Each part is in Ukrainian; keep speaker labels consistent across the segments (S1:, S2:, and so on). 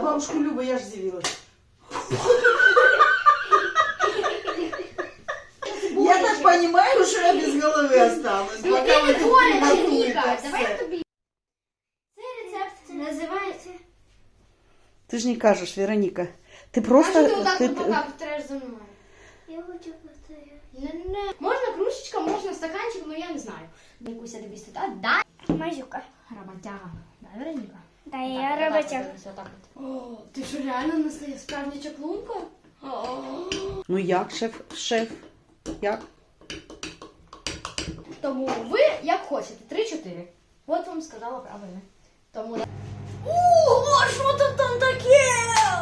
S1: бабушку Любу, я ж з'явилась. Я так понимаю, что я без головы осталась. Пока вы тут приготуете все.
S2: Цей рецепт називається...
S1: Ты же не кажешь, Вероника. Ты просто...
S2: А що ти отак от пока повторяєш за мною?
S3: Я хочу повторяти.
S2: Не. Можна кружечка, можна стаканчик, ну я не знаю. Якуся дивись туди. Да.
S3: Мазюка.
S2: Роботяга. Да, Вероніка?
S3: Да, я роботяг.
S2: О, ти що реально настає справжня чаклунка?
S1: Ну як, шеф? Як?
S2: Тому ви як хочете, 3-4. От вам сказала правильно. Тому...
S3: Ого, що тут там таке?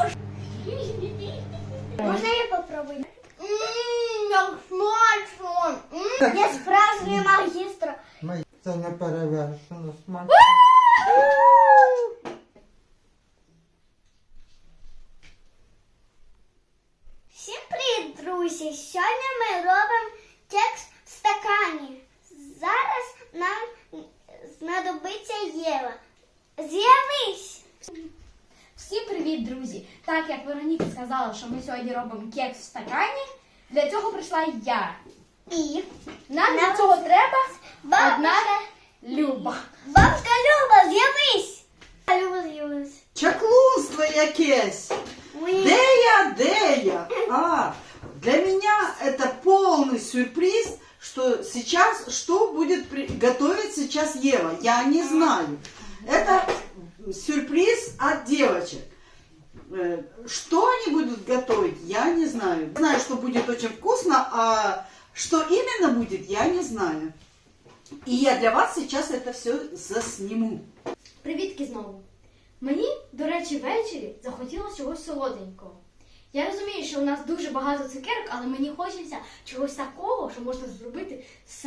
S3: Можна я попробую?
S2: Як смачно!
S3: Я справжній магістр.
S4: Це не перевершено смак.
S3: Всім привіт, друзі! Сьогодні ми робимо кекс в стакані. Зараз нам знадобиться Єва. З'явись!
S2: Всім привіт, друзі! Так як Вероніка сказала, що ми сьогодні робимо кекс в стакані, для цього прийшла я.
S3: І
S2: Нам для цього треба одна
S3: бабушка
S2: Люба.
S3: Люба, з'явись! Люба з'явилась.
S1: Чаклунство якесь! Де я? Для меня это полный сюрприз, что сейчас, что будет готовить сейчас Ева. Я не знаю. Это сюрприз от девочек. Что они будут готовить, я не знаю. Знаю, что будет очень вкусно, а что именно будет, я не знаю. И я для вас сейчас это все засниму.
S2: Привітки знову. Мені, до речі, ввечері захотілося чогось солоденького. Я розумію, що у нас дуже багато цукерок, але мені хочеться чогось такого, що можна зробити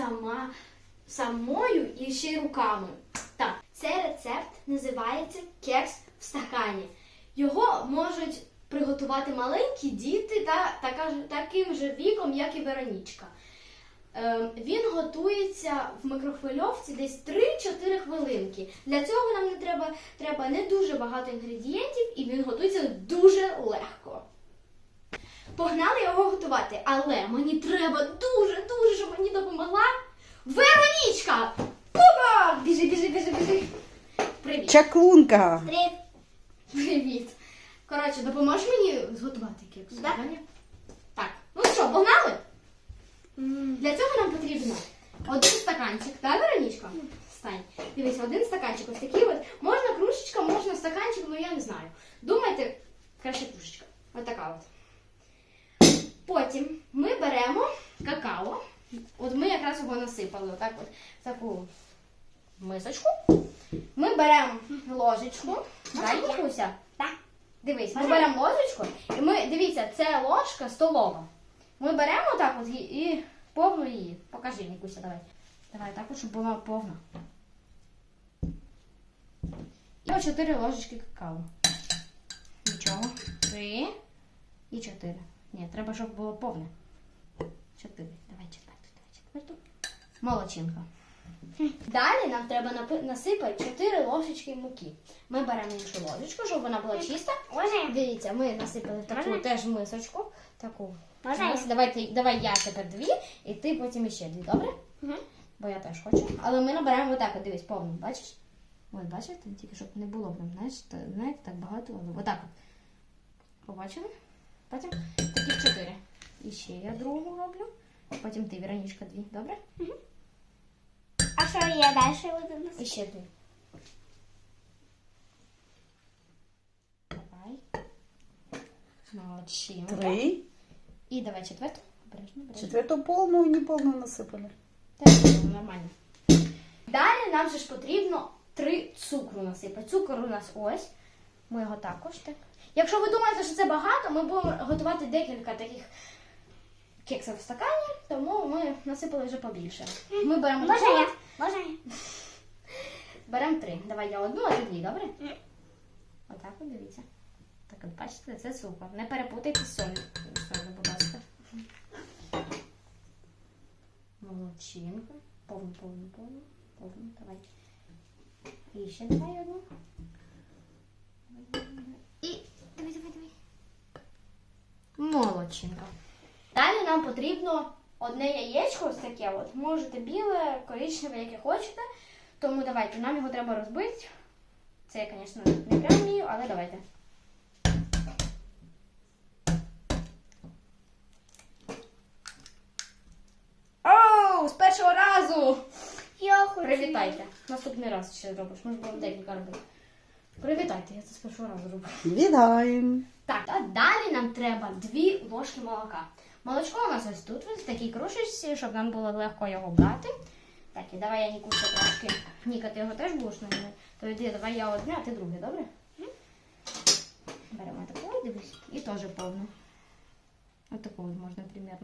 S2: самою і ще й руками. Так, цей рецепт називається кекс в стакані. Його можуть приготувати маленькі діти таким же віком, як і Веронічка. Він готується в мікрохвильовці десь 3-4 хвилинки. Для цього нам треба не дуже багато інгредієнтів, і він готується дуже легко. Погнали його готувати, але мені треба дуже, щоб мені допомогла Веронічка! Пупа! Біжи. Привіт.
S1: Чаклунка!
S2: Привіт. Коротше, допоможеш мені зготувати кекс?
S3: Да.
S2: Так, ну що, погнали? Для цього нам потрібно один стаканчик, так, Веронічка? Стань. Дивись, один стаканчик, ось такий от. Можна кружечка, можна стаканчик, ну я не знаю. Думайте, краще кружечка. Ось така от. Потім ми беремо какао. От ми якраз його насипали, отак от, в таку мисочку. Ми беремо ложечку. Дай, Нікуся?
S3: Так.
S2: Дивись, ми беремо ложечку, і ми, дивіться, це ложка столова. Ми беремо так от і повну її. Покажи, Нікуся, давай. Давай так от, щоб була повна. І 4 ложечки какао. Нічого. 3 і 4. Ні, треба, щоб було повне. 4. Давай четверту. Молодчинка. Далі нам треба насипати 4 ложечки муки. Ми беремо іншу ложечку, щоб вона була чиста. Дивіться, ми насипали таку теж мисочку. Таку. Давай я тепер 2, і ти потім іще 2, добре? Бо я теж хочу. Але ми набираємо отак, от, дивись, повну, бачиш? Ось, бачите? Тільки щоб не було, знаєте, так багато. Отак от. Побачили? Потім таких 4. І ще я другу роблю. Потім ти, Веронічка, 2, добре?
S3: А що я далі буду носити?
S2: І ще 2. Давай. Молодчинка.
S1: 3.
S2: І давай четверту. Обережно.
S1: Четверту полную и неполную насыпали.
S2: Так, нормально. Далі нам же ж потрібно 3 цукру насипати. Цукор у нас ось. Ми його також так. Якщо ви думаєте, що це багато, ми будемо готувати декілька таких кексів в стакані, тому ми насипали вже побільше. Ми беремо
S3: Можна я?
S2: Беремо 3. Давай я одну, а ти 2, добре? Отак от, дивіться. Так от, бачите, це цукор. Не перепутайте з солью. Солью, будь ласка. Молодчинка. Повну. Давай. І ще давай одну. І молодчинка. Далі нам потрібно одне яєчко, ось таке от. Можете біле, коричневе, яке хочете. Тому давайте, нам його треба розбити. Це я, звісно, не прям вмію, але давайте. Оу, з першого разу!
S3: Я хочу.
S2: Привітайте. Наступний раз ще зробиш. Ми ж будемо декілька робити. Привітайте, я це з першого разу роблю.
S1: Вітаємо.
S2: Так, а далі нам треба 2 ложки молока. Молочко у нас ось тут, ось в такій кружечці, щоб нам було легко його брати. Так, і давай я Нікуся трошки. Ніка, ти його теж будеш наливати? То йди, давай я одне, а ти друге, добре? Беремо таку, дивись, і теж повну. Ось таку можна примерно.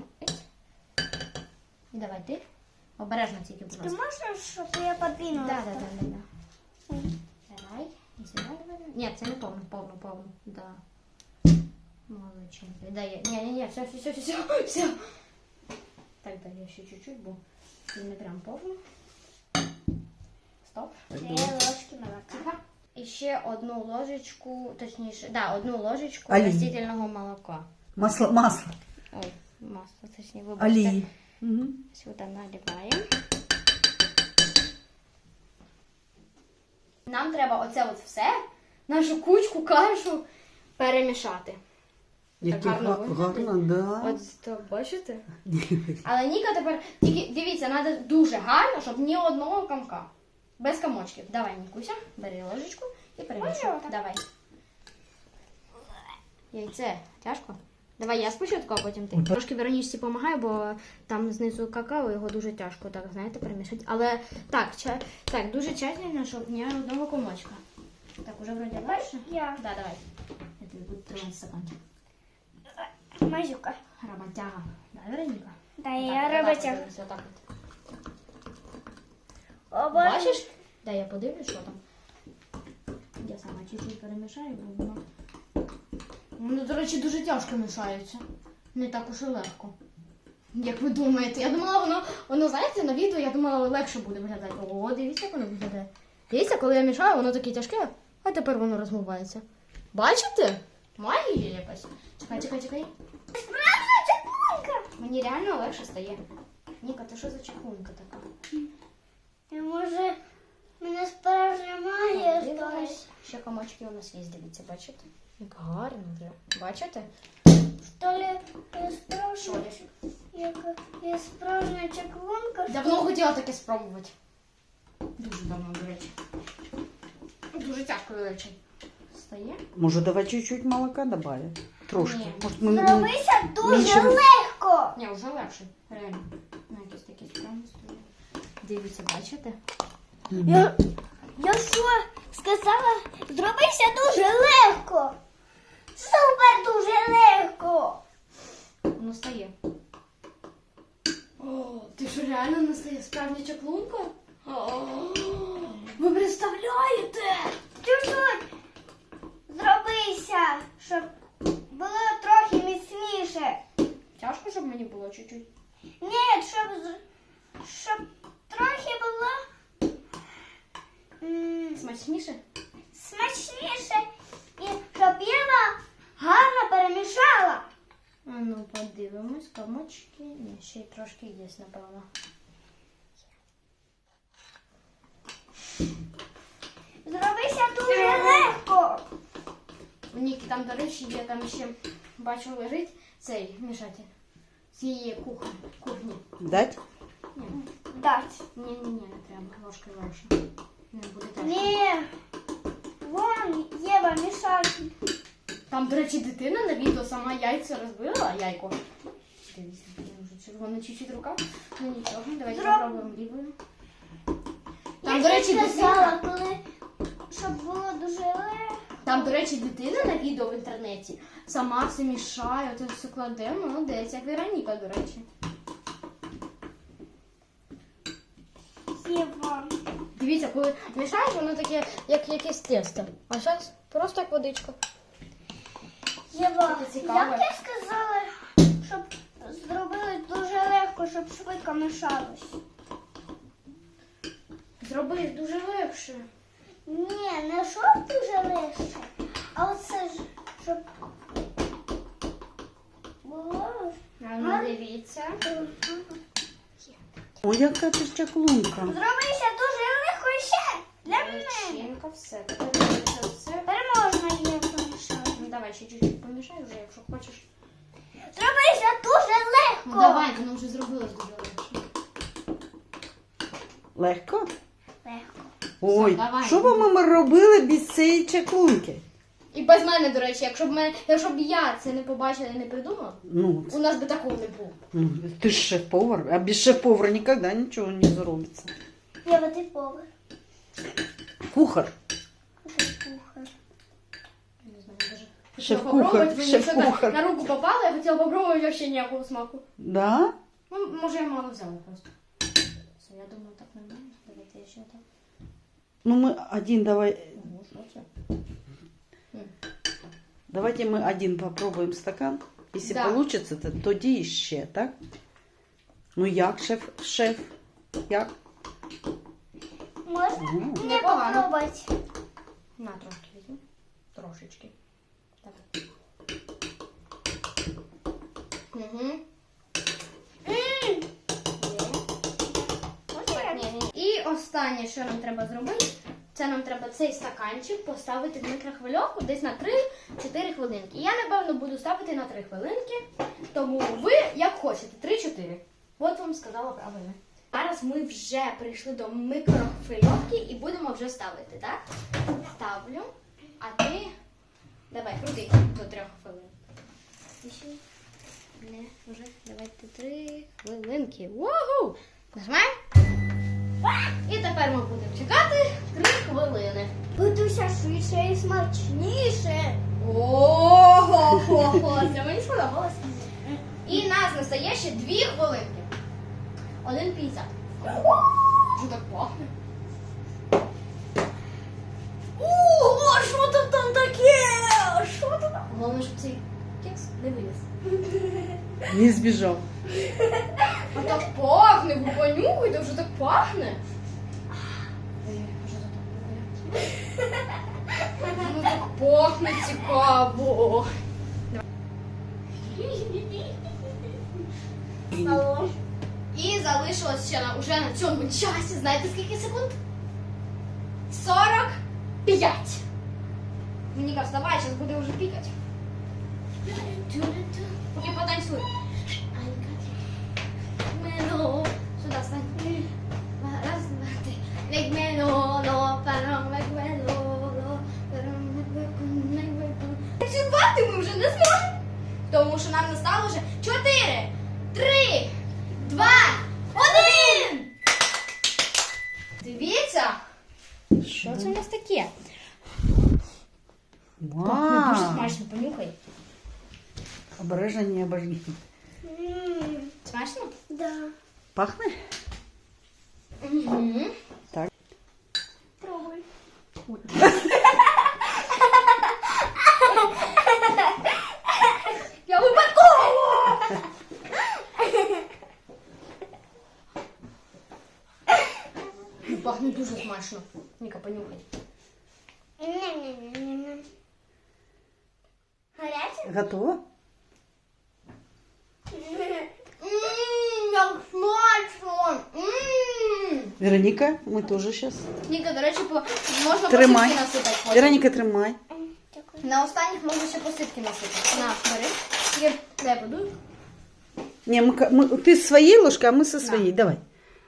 S2: І давай ти. Обережно тільки, будь
S3: Ти
S2: ласка.
S3: можеш, щоб я подвинула?
S2: Да. Давай. І сюди давай. Ні, це не повну. Да. Молодчинка. Дай я. Ні, все. Так, дай я ще чуть-чуть, бо це не прям повно. Стоп.
S3: 2 ложки молока.
S2: Тихо. І ще одну ложечку, точніше, да, одну ложечку
S1: Олії.
S2: растительного молока.
S1: Масло.
S2: Ой, масло, точніше, вибачте.
S1: Олії. Угу.
S2: Сюди наливаємо. Нам треба оце от все, нашу кучку, кашу перемішати.
S1: Яке
S2: гарно
S1: гарно, да.
S2: От то бачите? Але Ніка тепер, тільки дивіться, треба дуже гарно, щоб ні одного комка. Без комочків. Давай, Нікуся, бери ложечку і перемішуй.
S3: Можна отак?
S2: Давай. Яйце, тяжко? Давай я спочатку, а потім ти. Трошки Веронічці допомагаю, бо там знизу какао, його дуже тяжко, так, знаєте, перемішати. Але так, так, дуже тщательно, щоб ні одного комочка. Так, уже вроді легше?
S3: Я.
S2: Да, давай. Я тобі буду тримати стаканчик.
S3: Мазюка.
S2: Роботяга. Да, Вероніка?
S3: Да,
S2: Так,
S3: я
S2: отак
S3: роботяга.
S2: подивись, отак от.
S3: О,
S2: Бачиш? Да, я подивлюсь, що там. Я сама чуть-чуть перемішаю, бо воно... Воно, до речі, дуже тяжко мішається. Не так уж і легко. Як ви думаєте? Я думала, воно, знаєте, на відео, я думала, легше буде виглядати. О, дивіться, як воно виглядає. Дивіться, коли я мішаю, воно таке тяжке, а тепер воно розмивається. Бачите? Магія якась. Чекай.
S3: Справжня чаклунка.
S2: Мені реально легше стає. Ніка, ти що за чехунка така?
S3: І може, мене справжня магія
S2: Дивись.
S3: сталася.
S2: Ще комочки у нас є, дивіться, бачите? Як гарно вже. Бачите?
S3: Що ли, я справжня, я справжня чаклунка.
S2: Давно хотіла таке спробувати. Дуже давно, до речі. Дуже тяжко, до речі. Стає?
S1: Може, давай чуть-чуть молока добавим? Трошки.
S2: Ні.
S1: Может, мы...
S3: Зробися дуже
S1: Більше-
S3: легко.
S2: Ні, вже легше. Реально. На якісь такі справи стоїть. Дивіться, бачите?
S3: Я що сказала? Зробися дуже легко. Супер дуже легко.
S2: Воно стає. О, ти що реально не стає справжня чаклунка? Ви представляєте?
S3: Чуть-чуть зробися, щоб було трохи міцніше.
S2: Тяжко, щоб мені було чуть-чуть.
S3: Ні, щоб трохи було
S2: Смачніше?
S3: смачніше і щоб Єва гарно перемішала.
S2: А ну, подивимось, комочки. Ні, ще й трошки є, напевно.
S3: Зробися дуже легко.
S2: У Ніки там, до речі, є там ще, бачу, лежить цей мішатель з її кухні.
S1: Дать?
S2: Ні,
S3: Дать.
S2: не треба, ложкою легше. Не буде тяжко.
S3: Ні. Вон Єва мішає.
S2: Там, до речі, дитина на відео сама яйця розбила, яйко. Дивіться, вже червона чуть-чуть рука. Ну нічого, давайте попробуємо лівою. Там, до речі,
S3: сказала,
S2: дитина.
S3: коли щоб було дуже легко.
S2: Там, до речі, дитина на відео в інтернеті сама все мішає, оце все кладе, молодець, як Вероніка, до речі.
S3: Єва.
S2: Дивіться, коли мішаєш, воно таке, як якесь тесто. А зараз просто як водичка.
S3: Єва,
S2: Це цікаво.
S3: як я сказала, щоб зробили дуже легко, щоб швидко мішалось.
S2: Зроби дуже легше.
S3: Ні, не щоб дуже легше, а оце ж, щоб було
S2: Дивіться.
S1: Ой, яка ти чаклунка.
S3: Зробися дуже легко ще. Для мене.
S2: Начинка, все. Тепер це все.
S3: Тепер можна її помішати.
S2: Ну давай ще чуть-чуть помішай вже, якщо хочеш.
S3: Зробися дуже легко.
S2: Ну давай, воно вже зробилось дуже легше.
S1: Легко?
S3: Легко.
S1: Ой,
S2: давай.
S1: що б ми робили без цієї чаклунки?
S2: І без мене, до речі, якщо б я це не побачила і не придумала,
S1: Ну,
S2: у нас би такого не було.
S1: ну, ти ж шеф-повар, а без шеф-повара ніколи нічого не зробиться.
S3: Я вот і повар.
S1: Кухар.
S3: Кухар.
S2: Не знаю, даже.
S1: Шеф-кухар,
S2: Попробувати, мені
S1: шеф-кухар.
S2: щось на руку попало, я хотіла попробувати вообще ніякого смаку.
S1: Да?
S2: Ну, може, я мало взяла просто. Все, я думаю, так нормально. Давайте я ще так.
S1: Ну, ми один давай.
S2: Ну, що це?
S1: Давайте ми один попробуємо стакан. Якщо
S2: Да.
S1: получится, то тоді ще, так? Ну як, шеф? Як?
S3: Можна
S1: Ну,
S3: мені
S2: Непогано.
S3: попробувати?
S2: На, трошки візьму. Трошечки. Так. Угу. І останнє, що нам треба зробити, це нам треба цей стаканчик поставити в мікрохвильовку десь на 3-4 хвилинки. Я, напевно, буду ставити на 3 хвилинки, тому ви як хочете, 3-4. От вам сказала правильно. Зараз ми вже прийшли до мікрохвильовки і будемо вже ставити, так? Ставлю, а ти давай, крути до 3 хвилин. І ще не, вже давайте 3 хвилинки. Вау! Нажимаємо. І тепер ми будемо чекати 3 хвилини.
S3: Готуйся швидше і смачніше.
S2: Ого-го-го, це мені сподобалось. І нас настає ще 2 хвилинки. 1,50. Що так пахне? Ого, що тут там таке? Що тут там? Головне, щоб цей кекс не виліз.
S1: Не збіжав.
S2: А так пахне, ви понюхайте, вже так пахне. Ой, а що тут таке? Ну так пахне цікаво.
S3: Алло.
S2: І залишилось ще уже на цьому часі, знаєте скільки секунд? 45. Ніка, вставай, зараз буде вже пікати. Поки потанцюй. Мено. Сюди стань. Раз, два, три. Век мено, ло, парам, век мено, ло, парам, век мено. Танцювати ми вже не зможемо. Тому що нам настало вже 4, 3, 2, 1. Дивіться. Що це у нас таке? Пахне дуже
S1: Вау.
S2: смачно, понюхай.
S1: Обережно не обожги.
S2: Смачно?
S3: Да.
S1: Пахне?
S2: Угу.
S1: Так.
S3: Пробуй.
S2: Я випадково! Пахне дуже смачно. Ніка, понюхай.
S3: Не-не-не-не. Гаряче?
S1: Готово?
S2: Як смачно!
S1: Вероніка, ми теж зараз.
S2: Ніка, до речі, можна
S1: Тримай.
S2: посипки насипати потім.
S1: Вероніка, тримай.
S3: Дякую.
S2: На останніх можна ще посипки насипати. На, бери. Тільки дай подуй.
S1: Ні, ти з своєї ложки, а ми зі своєї. Давай.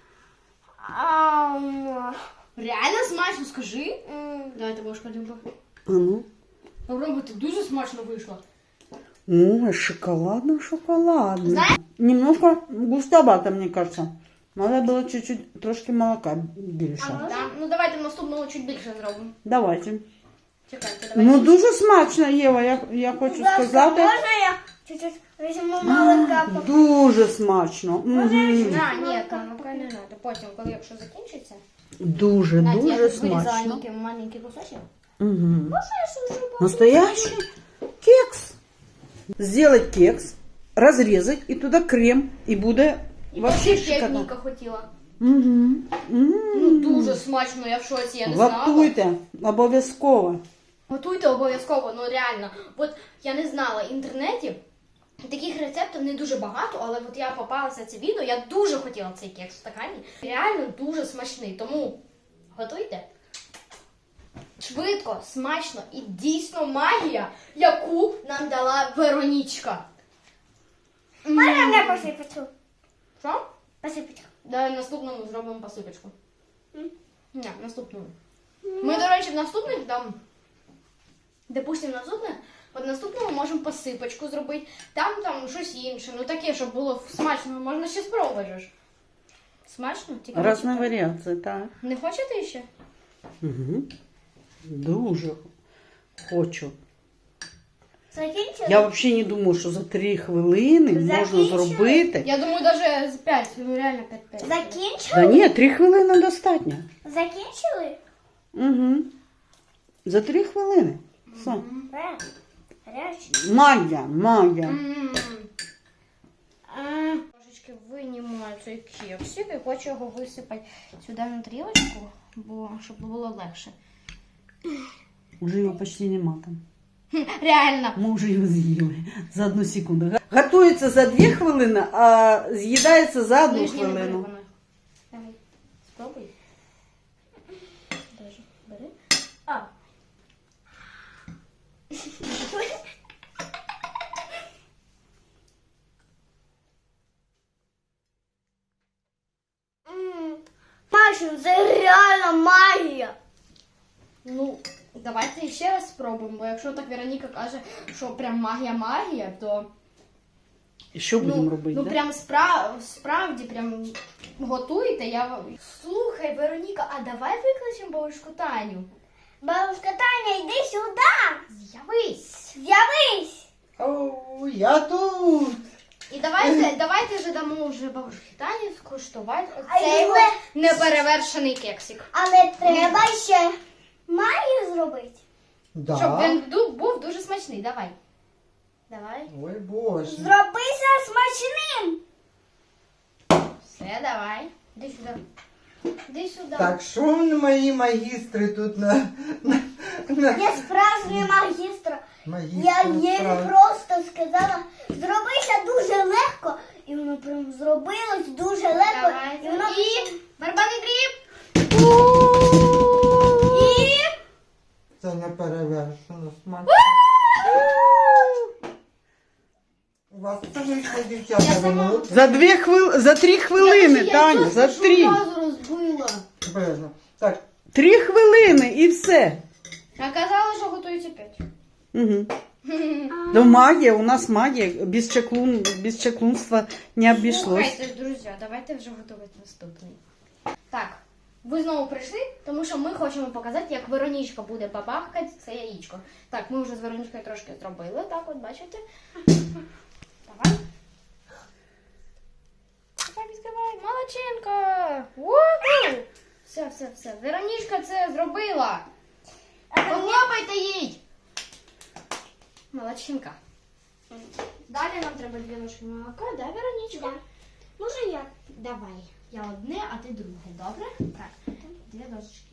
S2: Реально смачно, скажи. Давайте ложку один
S1: А ну.
S2: попробуйте, дуже смачно вийшло.
S1: Ой, шоколадно.
S2: Знаешь?
S1: Немножко густовато, мне кажется. Надо было чуть-чуть, трошки молока більше.
S2: Да? Ну давайте в наступному чуть більше зробимо.
S1: Давайте.
S2: Чекайте, давайте.
S1: Ну, дуже смачно, Єва, я хочу сказати.
S3: Можна я чуть-чуть візьму молока?
S1: Дуже смачно. Мгм.
S2: На, ні, молока не треба. Потім, коли якщо закінчиться.
S1: Дуже,
S2: Знаєте, я
S1: дуже
S2: тут вирізала
S1: смачно.
S2: маленький кусочок.
S1: Угу. Настоящий кекс. Сделать кекс, разрезать и туда крем, и буде
S2: І
S1: вообще
S2: ще
S1: шикарно.
S2: Ніка хотіла.
S1: Угу.
S2: Ну дуже смачно, я в шоці, я не знала.
S1: Готуйте, обов'язково.
S2: Готуйте обов'язково, ну реально. От я не знала інтернетів. Таких рецептів не дуже багато, але от я попалася це відео, я дуже хотіла цей кекс в стакані. Реально дуже смачний, тому готуйте. Швидко, смачно і дійсно магія, яку нам дала Веронічка.
S3: Можна мене посипочку?
S2: Що?
S3: Посипочку.
S2: Давай наступному зробимо посипочку. Ні, наступному. Ми, до речі, в наступних там, допустимо, от наступному можемо посипочку зробити, там щось інше, ну таке, щоб було смачно, можна ще спробувати ж. Смачно? Тільки не
S1: Разные
S2: чекай.
S1: варіації, так.
S2: Не хочете ще?
S1: Угу. Дуже хочу.
S3: Закінчили?
S1: Я взагалі не думаю, що за 3 хвилини можна
S3: Закінчили?
S1: зробити.
S2: Я думаю, навіть з 5, ну реально 5-5.
S3: Закінчили?
S1: Та ні, 3 хвилини достатньо.
S3: Закінчили?
S1: Угу. За 3 хвилини. Все.
S3: Гарячий.
S1: Магія.
S2: Трошечки винімаю цей кексик і хочу його висипати сюди на тарілочку, щоб було легше.
S1: Уже його почти нема там.
S2: Реально.
S1: Ми вже його з'їли за 1 секунду. Готується за 2 хвилини, а з'їдається за 1
S2: Нижній не бери
S1: хвилину.
S2: воно. Давай, спробуй. Даже бери. А.
S3: Маша, це реально магія.
S2: Ну, давайте ще раз спробуємо, бо якщо так Вероніка каже, що прям магія, то
S1: І що будемо робити?
S2: ну
S1: да?
S2: прям справді прям готуйте. Слухай, Вероніка, а давай викличемо бабушку Таню.
S3: Бабушка Таня, йди сюди.
S2: З'явись.
S3: З'явись.
S4: О, я тут.
S2: І давайте вже дамо вже бабушці Тані скуштувати
S3: А
S2: цей
S3: його-
S2: от неперевершений кексик.
S3: Але треба ще магію зробити.
S2: Щоб
S4: Да.
S2: він був дуже смачний. Давай.
S4: Ой, боже.
S3: Зробися смачним.
S2: Все, давай. Іди сюди. Іди сюди.
S4: Так, що мої магістри тут на
S3: Я справжній магістр.
S4: магістр
S3: Я їй
S4: справ-
S3: просто сказала, зробися дуже легко. І воно прям зробилось дуже легко.
S2: Давай.
S3: І воно
S2: І барабанний дріб.
S3: І
S4: Це не перевершено смачно. У вас це вийшло, дівчата,
S2: Я сама.
S4: минут.
S1: За 3 хвилини, Таня, за 3.
S2: Одразу розбила.
S4: Обережно. Так,
S1: 3 хвилини і все.
S2: А казали, що готується 5.
S1: Угу. Ну, магія, у нас магія. Без чаклунства не обійшлось.
S2: Слухайте, друзі, давайте вже готувати наступний. Так, ви знову прийшли, тому що ми хочемо показати, як Веронічка буде бабахкати це яєчко. Так, ми вже з Веронічкою трошки зробили, так от, бачите? Давай. Давай, відкривай. Молодчинка! Уху! Все. Веронічка це зробила. Похлопайте їй! Молодчинка. Далі нам треба 2 ложки молока, да, Веронічка?
S3: може я?
S2: Давай. Я одне, а ти друге, добре? Так. 2 ложечки.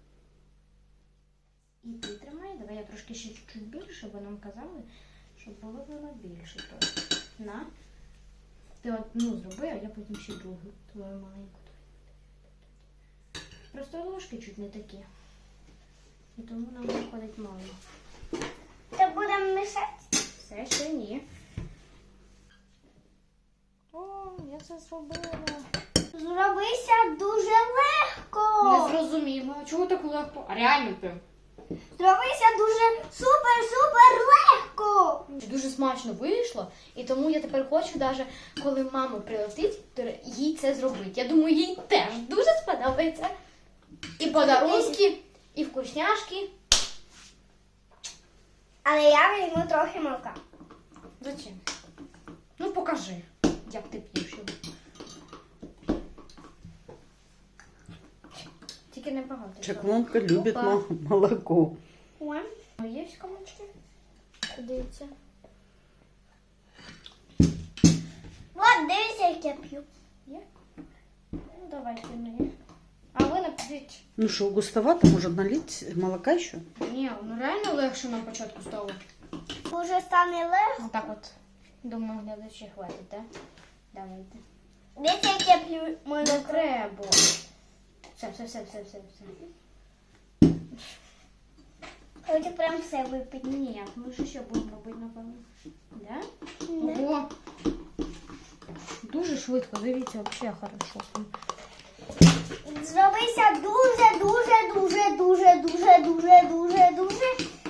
S2: І ти тримай. Давай я трошки ще чуть більше, бо нам казали, щоб було більше. На. Ти одну зроби, а я потім ще другу. Твою маленьку. Просто ложки чуть не такі. І тому нам виходить мало.
S3: Так будемо мішати.
S2: Все ще ні. О, я це зробила.
S3: Зробися дуже легко.
S2: Не зрозуміло. Чого так легко? А реально прям.
S3: Зробися дуже супер легко.
S2: Дуже смачно вийшло, і тому я тепер хочу, навіть коли мама прилетить, то їй це зробити. Я думаю, їй теж дуже сподобається. І подарунки, і вкусняшки.
S3: Але я візьму трохи молока.
S2: Зачем? Ну покажи, як ти п'єш його. Тільки не багато.
S1: Чаклунка любить
S2: Опа.
S1: молоко.
S3: Ой.
S2: Є комочки? Дивіться.
S3: От дивися, як я п'ю.
S2: Є? Ну давайте мені. А ви напишіть.
S1: Ну что, густовато, может налить молока еще?
S2: Ні, ну реально легше на початку стало.
S3: Уже стане легко.
S2: Отак от. Думаю, глядачі хватить, так? Давайте.
S3: Дивіться, як я п'ю
S2: Не
S3: молоко.
S2: треба. Все.
S3: Хочу прям все випити.
S2: Ні, ми ж ще будемо робити, напевно. Да?
S3: Да.
S2: Ого. Дуже швидко, дивіться, взагалі хорошо.
S3: Зробися дуже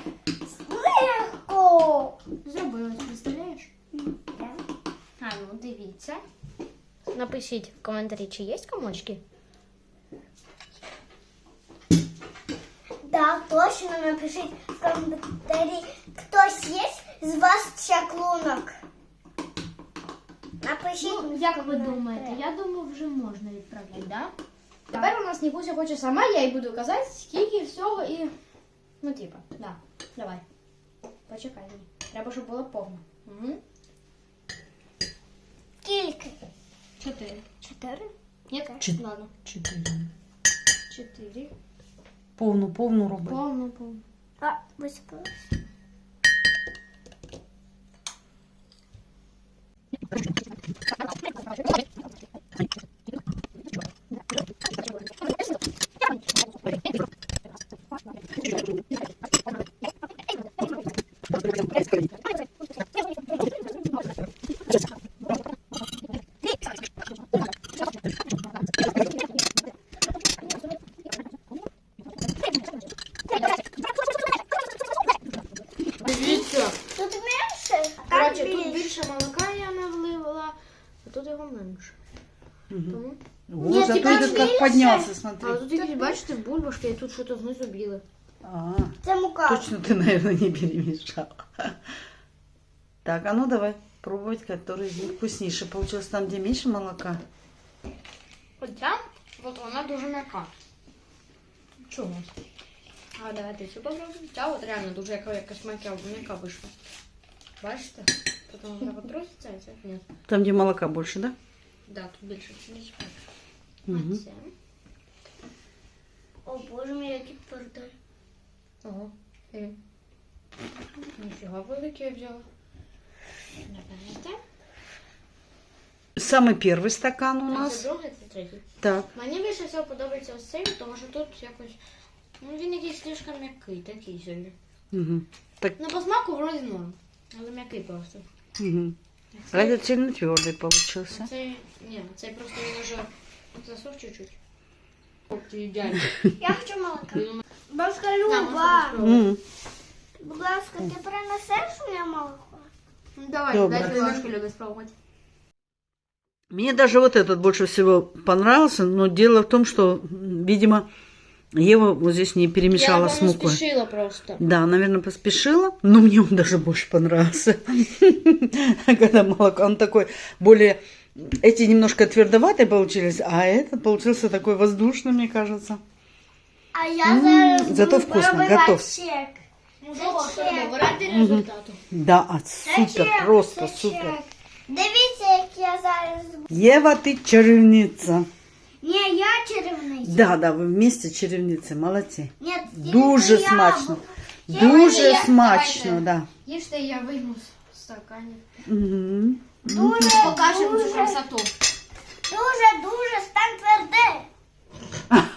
S3: легко.
S2: Зробилось, представляєш?
S3: Да.
S2: А, ну дивіться. Напишіть в коментарі, чи є комочки.
S3: Да, точно напишіть в коментарі, хтось є з вас чаклунок. Напишіть.
S2: Ну, як ви думаєте? Я думаю, вже можна відправляти, да? Тепер у нас Нікуся хоче сама, я їй буду казати, скільки всього і... Ну, типа, да. Давай. Почекай. Треба, щоб було повно. Угу.
S3: Скільки?
S2: 4.
S3: 4?
S2: Ні?
S1: Чотири.
S2: Ладно.
S1: 4.
S2: 4.
S1: Повну роби.
S2: Повно.
S3: А, висипалось.
S2: Дивіться.
S3: Тут менше, а там
S2: Коротше, тут
S3: більше.
S2: більше молока я не вливала, а тут його менше. Тому...
S1: Вот, зато
S3: тебя
S1: этот как
S3: видишь?
S1: поднялся,
S2: А
S1: смотри.
S2: тут якісь, бачите, бульбашки, і тут щось знизу біле.
S1: А,
S3: Це мука.
S1: точно ты, наверное, не перемешала. Так, а ну давай пробовать, который из них вкуснейший. Получилось там, где меньше молока.
S2: Хоча, от вона дуже м'яка. Чому? А давайте цю попробуємо. Ця от реально дуже якась м'яка вийшла. Бачите? Потім вона потруситься, а ця ні.
S1: Там, где молока больше, да?
S2: Да, тут більше. Більше.
S1: Угу.
S2: А це?
S3: О, боже мій, який пердай.
S2: Ого. Ніфіга велике я взяла. Давайте.
S1: Самый первый стакан у
S2: Це
S1: нас.
S2: другий, це третій.
S1: Так.
S2: Мені більше всього подобається ось цей, тому що тут якось... Ну, він якийсь слишком м'який, такий собі.
S1: Угу. Так,
S2: Ну, по смаку вроді норм, але м'який просто.
S1: угу.
S2: А
S1: А этот сильно твердый получился.
S2: цей... Ні, цей просто він уже засох чуть-чуть. Ідеально.
S3: Я хочу молока. Бабушка
S2: Да,
S3: Люба,
S2: можна спробувати.
S1: М.
S3: будь ласка, ти принесеш мені молоко?
S2: Ну, давай,
S1: Добре.
S2: дайте ложку Любі спробувати.
S1: Мне даже вот этот больше всего понравился, но дело в том, что, видимо, Ева вот здесь не перемешала с мукой.
S2: спішила просто.
S1: Да, наверное, поспешила, но мне он даже больше понравился. Когда молоко, он такой более... Эти немножко твердоватые получились, а этот получился такой воздушный, мне кажется.
S3: А я зараз
S1: зато
S3: буду
S1: вкусно,
S3: пробувати
S1: готов.
S3: чек.
S2: Ну,
S3: Це
S2: що,
S3: чек.
S2: ради результату.
S1: Да, а
S3: Це
S1: супер,
S3: чек,
S1: просто
S3: це
S1: супер.
S3: чек. Дивіться, як я зараз...
S1: Ева, ты чарівниця.
S3: Ні, я чарівниця.
S1: Да, да, ви вместе чарівниці, молодці.
S3: Ні,
S1: Дуже
S3: тільки я.
S1: смачно.
S3: Я
S1: Дуже
S3: вийду,
S1: смачно, да.
S2: Їжте, я вийму з стаканів.
S1: Угу.
S3: Дуже,
S2: Покажемо цю
S3: дуже,
S2: красоту.
S3: дуже, стань тверде.